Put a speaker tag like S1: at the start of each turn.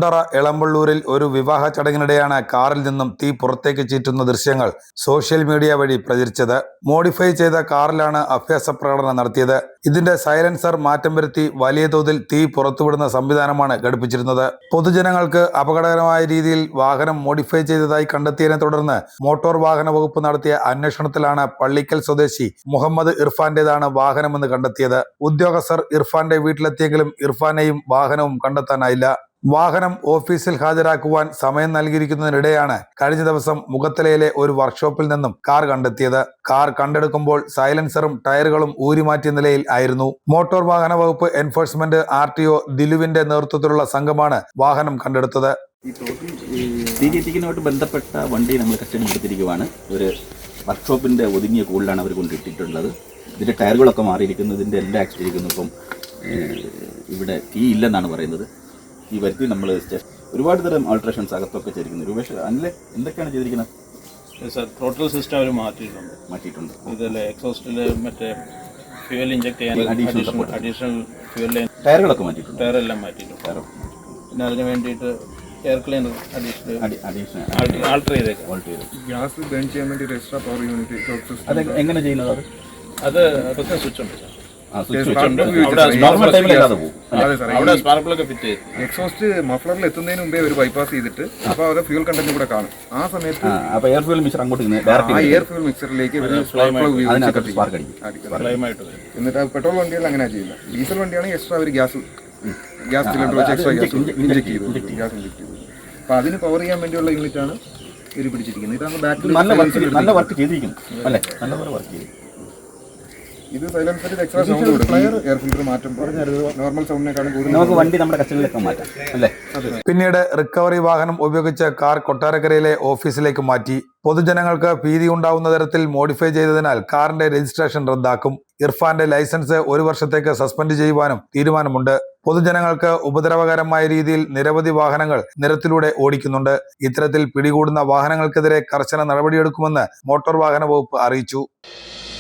S1: കുണ്ടറ എളമ്പള്ളൂരിൽ ഒരു വിവാഹ ചടങ്ങിനിടെയാണ് കാറിൽ നിന്നും തീ പുറത്തേക്ക് ചീറ്റുന്ന ദൃശ്യങ്ങൾ സോഷ്യൽ മീഡിയ വഴി പ്രചരിച്ചത്. മോഡിഫൈ ചെയ്ത കാറിലാണ് അഭ്യാസ പ്രകടനം നടത്തിയത്. ഇതിന്റെ സൈലൻസർ മാറ്റം വരുത്തി വലിയ തോതിൽ തീ പുറത്തുവിടുന്ന സംവിധാനമാണ് ഘടിപ്പിച്ചിരുന്നത്. പൊതുജനങ്ങൾക്ക് അപകടകരമായ രീതിയിൽ വാഹനം മോഡിഫൈ ചെയ്തതായി കണ്ടെത്തിയതിനെ തുടർന്ന് മോട്ടോർ വാഹന വകുപ്പ് നടത്തിയ അന്വേഷണത്തിലാണ് പള്ളിക്കൽ സ്വദേശി മുഹമ്മദ് ഇർഫാന്റേതാണ് വാഹനമെന്ന് കണ്ടെത്തിയത്. ഉദ്യോഗസ്ഥർ ഇർഫാന്റെ വീട്ടിലെത്തിയെങ്കിലും ഇർഫാനെയും വാഹനവും കണ്ടെത്താനായില്ല. വാഹനം ഓഫീസിൽ ഹാജരാക്കുവാൻ സമയം നൽകിയിരിക്കുന്നതിനിടെയാണ് കഴിഞ്ഞ ദിവസം മുഖത്തലയിലെ ഒരു വർക്ക്ഷോപ്പിൽ നിന്നും കാർ കണ്ടെത്തിയത്. കാർ കണ്ടെടുക്കുമ്പോൾ സൈലൻസറും ടയറുകളും ഊരിമാറ്റിയ നിലയിൽ ആയിരുന്നു. മോട്ടോർ വാഹന വകുപ്പ് എൻഫോഴ്സ്മെന്റ് RTO ദിലുവിന്റെ നേതൃത്വത്തിലുള്ള സംഘമാണ് വാഹനം കണ്ടെടുത്തത്.
S2: തീകത്തിക്കുന്നതുമായിട്ട് ബന്ധപ്പെട്ട വണ്ടി നമ്മൾ കസ്റ്റഡി എടുത്തിരിക്കുവാണ്. ഒരു വർക്ക്ഷോപ്പിന്റെ ഒതുങ്ങിയ കൂളിലാണ് അവർ കൊണ്ടിട്ടിട്ടുള്ളത്. ഇതിന്റെ ടയറുകളൊക്കെ മാറിയിരിക്കുന്നു, ഇതിന്റെ എല്ലാം ആക്സിഡിരിക്കുന്നു. ഇപ്പം ഇവിടെ കീ ഇല്ലെന്നാണ് പറയുന്നത്. ഈ വരുത്തി നമ്മൾ ഒരുപാട് തരം ആൾട്രേഷൻസ് അകത്തൊക്കെ ചെയ്തിരിക്കുന്നു. രൂപേഷ് അല്ലേ എന്തൊക്കെയാണ് ചെയ്തിരിക്കുന്നത്?
S3: സാർ ടോട്ടൽ സിസ്റ്റം അവർ മാറ്റിയിട്ടുണ്ട്. ഇതിൽ എക്സോസ്റ്റില് മറ്റേ ഫ്യൂവൽ ഇഞ്ചക്ട് ചെയ്യാൻ അഡീഷണൽ ഫ്യൂവൽ ലൈൻ
S2: ടയറുകളൊക്കെ മാറ്റിയിട്ടുണ്ട്.
S3: ടയറെല്ലാം മാറ്റിയിട്ടുണ്ട്. പിന്നെ അതിന് വേണ്ടിയിട്ട് എയർ ക്ലീനർ അഡീഷണൽ ആൾട്ടർ ചെയ്തേക്കാം.
S4: ഗ്യാസ് ബേൺ ചെയ്യാൻ വേണ്ടി ഒരു എക്സ്ട്രാ പവർ യൂണിറ്റ്
S2: അത് എങ്ങനെ ചെയ്യുന്നത്?
S3: അത് പ്രത്യേകം സ്വിച്ച് ഉണ്ട് സാർ.
S4: എക്സോസ്റ്റ് മഫ്ലറിൽ എത്തുന്നതിന് മുമ്പേ ഒരു ബൈപ്പാസ് ചെയ്തിട്ട് അപ്പൊ അവരുടെ ഫ്യൂൽ കണ്ടന്റ് കൂടെ കാണും. ആ സമയത്ത്
S2: എയർ ഫ്യൂൽ മിക്സർ അങ്ങോട്ട്
S4: എയർ ഫ്യൂൽ മിക്സറിലേക്ക് എന്നിട്ട് പെട്രോൾ വണ്ടികൾ അങ്ങനെ ചെയ്യുന്നത്. ഡീസൽ വണ്ടിയാണെങ്കിൽ എക്സ്ട്രാ ഒരു ഗ്യാസ് സിലിണ്ടർ വെച്ച് എക്സ്ട്രാ ഗ്യാസ് ഇഞ്ചക്ട് ചെയ്തു. അപ്പൊ അതിന് പവർ ചെയ്യാൻ വേണ്ടിയുള്ള യൂണിറ്റ് ആണ് ഇവർ പിടിച്ചിരിക്കുന്നത്. ഇതാണ് ബാക്കിൽ
S2: നല്ല വർക്ക് ചെയ്തിരിക്കുന്നു അല്ലേ? നല്ലപോലെ വർക്ക് ചെയ്തു.
S4: ഇത് സൈലൻസറിൽ എക്സ്ട്രാ സൗണ്ട് കൊടുക്കും. എയർ ഫിൽറ്റർ മാറ്റുമ്പോൾ നോർമൽ സൗണ്ടിനെക്കാളും കൂടുതൽ
S2: നമുക്ക് വണ്ടി നമ്മുടെ കസ്റ്റഡിയിലേക്ക് മാറ്റാം അല്ലേ?
S1: പിന്നീട് റിക്കവറി വാഹനം ഉപയോഗിച്ച് കാർ കൊട്ടാരക്കരയിലെ ഓഫീസിലേക്ക് മാറ്റി. പൊതുജനങ്ങൾക്ക് ഭീതി ഉണ്ടാവുന്ന തരത്തിൽ മോഡിഫൈ ചെയ്തതിനാൽ കാറിന്റെ രജിസ്ട്രേഷൻ റദ്ദാക്കും. ഇർഫാന്റെ ലൈസൻസ് 1 വർഷത്തേക്ക് സസ്പെൻഡ് ചെയ്യുവാനും തീരുമാനമുണ്ട്. പൊതുജനങ്ങൾക്ക് ഉപദ്രവകരമായ രീതിയിൽ നിരവധി വാഹനങ്ങൾ നിരത്തിലൂടെ ഓടിക്കുന്നുണ്ട്. ഇത്തരത്തിൽ പിടികൂടുന്ന വാഹനങ്ങൾക്കെതിരെ കർശന നടപടിയെടുക്കുമെന്ന് മോട്ടോർ വാഹന വകുപ്പ് അറിയിച്ചു.